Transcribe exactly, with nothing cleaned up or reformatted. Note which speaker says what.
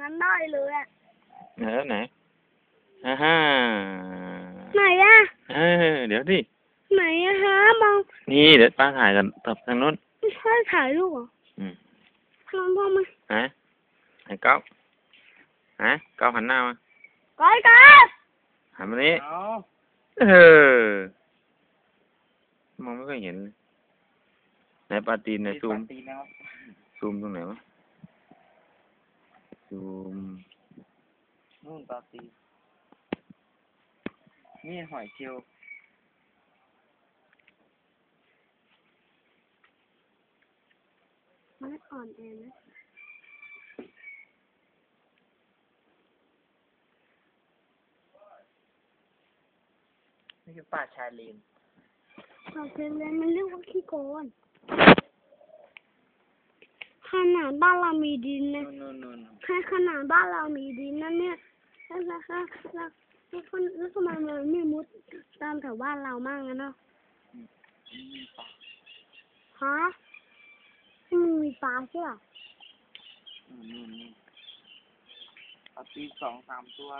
Speaker 1: นั้นได้เลยอ่ะ
Speaker 2: ไหนแล้วไหนฮ่าฮ่า
Speaker 1: ไหนอ่ะ
Speaker 2: เออเดี๋ยวดิ
Speaker 1: ไหนอะฮะมอง
Speaker 2: นี่เดี๋ยวป้าถ่ายกันตับทางนู้น
Speaker 1: ไม่ใช่ถ่ายรูปเหรอ
Speaker 2: อืม
Speaker 1: ทางพ่อมา
Speaker 2: ฮะไอ้ก๊อฟฮะก๊อฟหันหน้ามา
Speaker 1: ก้อยก้อย
Speaker 2: หันมานี้เออมองไม่ค่อยเห็นไหนปลาตีนไหนซูมซูมตรงไหนวะซูม
Speaker 3: นู่นปลาตีนี่หอยเชลล์
Speaker 1: มันอ่อนเองนะ
Speaker 3: นี่คือป่าชายเลน
Speaker 1: เราเคยเรียนมันเรียกว่าขี้โกนขนาดบ้านเรามีดินนะแค่ขนาดบ้านเรามีดินนั่นเนี่ยแล้วแล้วแล้วแล้วแล้วทำไมมันไม่มุดตามแถวบ้านเรามั่งอะเนาะฮะมันมีปลาใช่ป่ะ
Speaker 3: ปลาตีสองสามตัว